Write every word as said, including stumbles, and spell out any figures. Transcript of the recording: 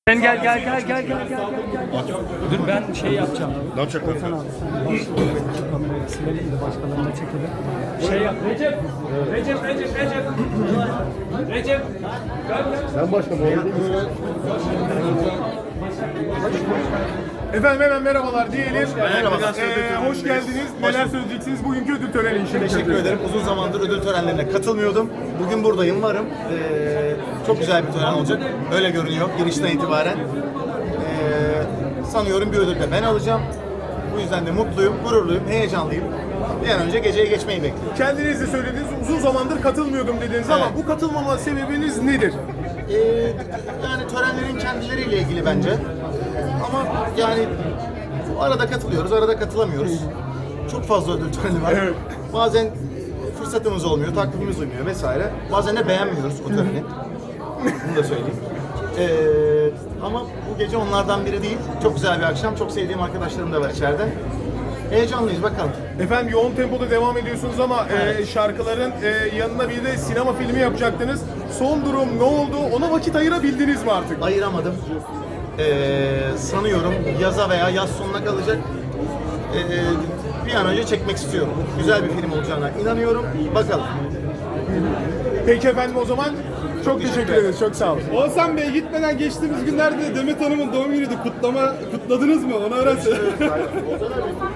Sen gel gel gel gel gel gel gel. Dur ben şey yapacağım. Ne yapacaklar? Hasan abi sen kamerayı silelim de başkalarına çekelim. Şey yap. Recep. Recep Recep Recep. Recep. Ben başka bu arada. Efendim hemen merhabalar diyelim. Merhaba. Ee, hoş geldiniz. Neler söyleyeceksiniz bugünkü ödül töreni için? Teşekkür ederim. Uzun zamandır ödül törenlerine katılmıyordum. Bugün buradayım, varım. Ee, çok güzel bir tören olacak. Öyle görünüyor girişten itibaren. Ee, sanıyorum bir ödül de ben alacağım. Bu yüzden de mutluyum, gururluyum, heyecanlıyım. Bir an önce geceye geçmeyi bekliyorum. Kendiniz de söylediniz, uzun zamandır katılmıyordum dediniz ama Evet. bu katılmama sebebiniz nedir? Ee, yani törenlerin kendileriyle ilgili bence. Ama yani arada katılıyoruz, arada katılamıyoruz. Çok fazla ödül töreni var. Evet. Bazen fırsatımız olmuyor, takvimimiz uymuyor vesaire. Bazen de beğenmiyoruz o töreni. Bunu da söyleyeyim. Ee, ama bu gece onlardan biri değil. Çok güzel bir akşam. Çok sevdiğim arkadaşlarım da var içeride. Heyecanlıyız bakalım. Efendim yoğun tempoda devam ediyorsunuz ama Evet. e, şarkıların e, yanına bir de sinema filmi yapacaktınız. Son durum ne oldu? Ona vakit ayırabildiniz mi artık? Ayıramadım. Ee, sanıyorum yaza veya yaz sonuna kalacak. Ee, bir an önce çekmek istiyorum. Güzel bir film olacağına inanıyorum. Bakalım. Peki efendim o zaman çok teşekkür ederiz. Çok sağ olun. Oğuzhan Bey gitmeden geçtiğimiz günlerde Demet Hanım'ın doğum günüydü. Kutlama kutladınız mı? Onu öğrensin.